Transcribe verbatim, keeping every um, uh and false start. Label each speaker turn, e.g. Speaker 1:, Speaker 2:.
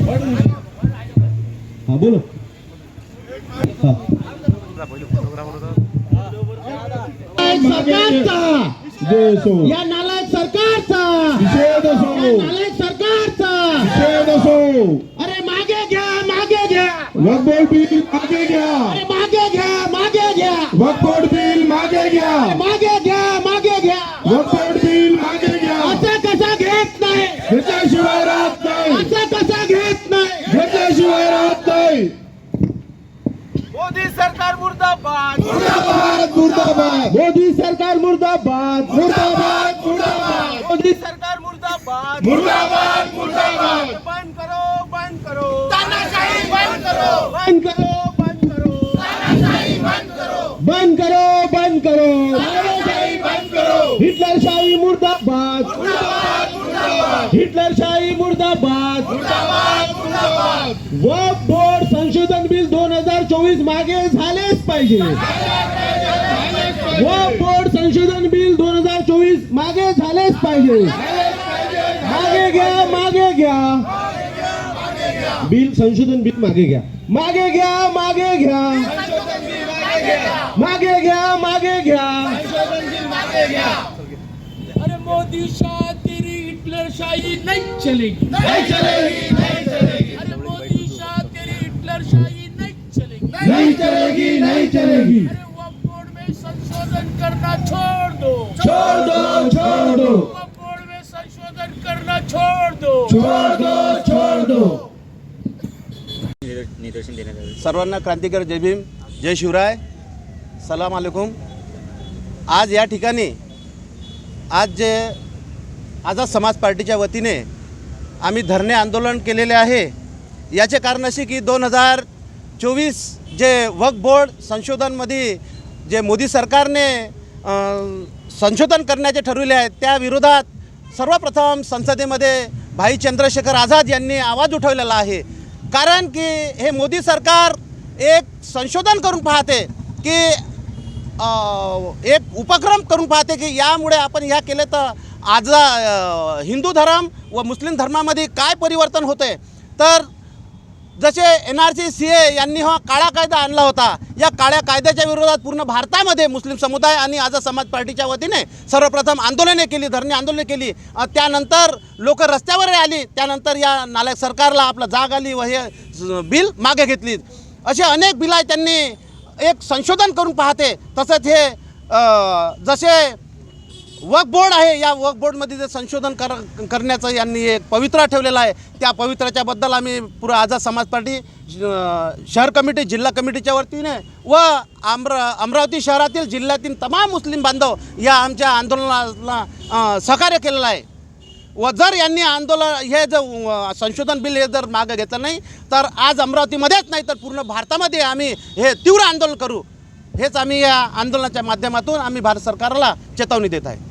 Speaker 1: हा बोलो हा
Speaker 2: सरकारचा
Speaker 1: देसो
Speaker 2: या नालायक सरकारचा
Speaker 1: निषेध असो
Speaker 2: या नालायक सरकारचा
Speaker 1: निषेध असो
Speaker 2: अरे मागे घ्या मागे घ्या
Speaker 1: वक्फ बोर्ड बिल मागे घ्या
Speaker 2: अरे मागे घ्या मागे घ्या
Speaker 1: वक्फ बोर्ड बिल मागे घ्या
Speaker 2: मागे घ्या मागे घ्या
Speaker 1: वक्फ बोर्ड बिल मागे घ्या
Speaker 2: असं कसा घेत नाही
Speaker 1: घेतल्याशिवाय राहत नाही
Speaker 2: असं कसा घेत नाही
Speaker 1: घेतल्याशिवाय राहत नाही
Speaker 3: मोदी सरकार मुर्दाबाद
Speaker 1: मुर्दाबाद मुर्दाबाद
Speaker 2: मोदी सरकार मुर्दाबाद
Speaker 1: मुर्दाबाद मुर्दाबाद
Speaker 3: मोदी सरकार मुर्दाबाद
Speaker 1: मुर्दाबाद मुर्दाबाद
Speaker 3: बंद करो बंद करो
Speaker 2: तानाशाही बंद करो
Speaker 3: बंद करो बंद करो
Speaker 2: तानाशाही बंद करो बंद करो बंद करो
Speaker 1: तानाशाही बंद करो
Speaker 2: हिटलरशाही मुर्दाबाद
Speaker 1: मुर्दाबाद मुर्दाबाद
Speaker 2: हिटलरशाही मुर्दाबाद
Speaker 1: मुर्दाबाद मुर्दाबाद
Speaker 2: वक्फ बोर्ड संशोधन बिल दोन हजार चोवीस मागे झालेच पाहिजे वक्फ बोर्ड संशोधन बिल दोन हजार चोवीस मागे झालेच पाहिजे मागे घ्या मागे घ्या बिल संशोधन बिल मागे घ्या मागे घ्या मागे घ्या मागे घ्या मागे घ्या
Speaker 4: अरे मोदी शाह तेरी हिटलर शाही नहीं चलेगी
Speaker 1: नहीं चलेगी नहीं चलेगी
Speaker 4: अरे मोदी शाह तेरी हिटलर शाही नहीं चलेगी
Speaker 1: नहीं चलेगी नहीं चलेगी
Speaker 4: अरे वक्फ बोर्ड में संशोधन करना छोड़ दो
Speaker 1: छोड़ दो छोड़ दो
Speaker 4: वक्फ बोर्ड में संशोधन करना छोड़ दो
Speaker 1: छोड़ दो छोड़ दो
Speaker 3: सर्वांना क्रांतिकारी जय भीम जय शिवराय सलाम अलैकुम। आज या ठिकाणी आज जे आझाद समाज पार्टीच्या वतीने आम्ही धरणे आंदोलन केलेले आहे। याचे कारण असे की दोन हजार चोवीस जे वक्फ बोर्ड संशोधनमध्ये जे मोदी सरकारने संशोधन करण्याचे ठरविले आहे त्या विरोधात सर्वप्रथम संसदेमध्ये भाई चंद्रशेखर आझाद यांनी आवाज उठवलेला आहे। कारण की हे मोदी सरकार एक संशोधन करून पाहते की एक उपक्रम करून पाहते की यामुळे आपण ह्या केले तर आज हिंदू धर्म व मुस्लिम धर्मामध्ये काय परिवर्तन होते। तर जसे N R C C A यांनी हा काळा कायदा आणला होता, या काळ्या कायद्याच्या विरोधात पूर्ण भारतामध्ये मुस्लिम समुदाय आणि आझाद समाज पार्टीच्या वतीने सर्वप्रथम आंदोलने केली, धरणे आंदोलने केली। त्यानंतर लोक रस्त्यावर आली, त्यानंतर या नालायक सरकारला आपला जाग आली व हे बिल मागे घेतली। असे अनेक बिल आहे त्यांनी एक संशोधन करून पाहते। तसंच हे जसे वक्फ बोर्ड आहे, या वक्फ बोर्डमध्ये जे संशोधन कर करण्याचं यांनी एक पवित्रा ठेवलेला आहे, त्या पवित्राच्याबद्दल आम्ही पुरं आझाद समाज पार्टी शहर कमिटी जिल्हा कमिटीच्या वतीने व अमरा अमरावती शहरातील जिल्ह्यातील तमाम मुस्लिम बांधव या आमच्या आंदोलनाला सहकार्य केलेलं आहे। व जर यांनी आंदोलन हे जर संशोधन बिल हे जर मागे घेतलं नाही तर आज अमरावतीमध्येच नाही तर पूर्ण भारतामध्ये आम्ही हे तीव्र आंदोलन करू, हेच आम्ही या आंदोलनाच्या माध्यमातून आम्ही भारत सरकारला चेतावणी देत आहे।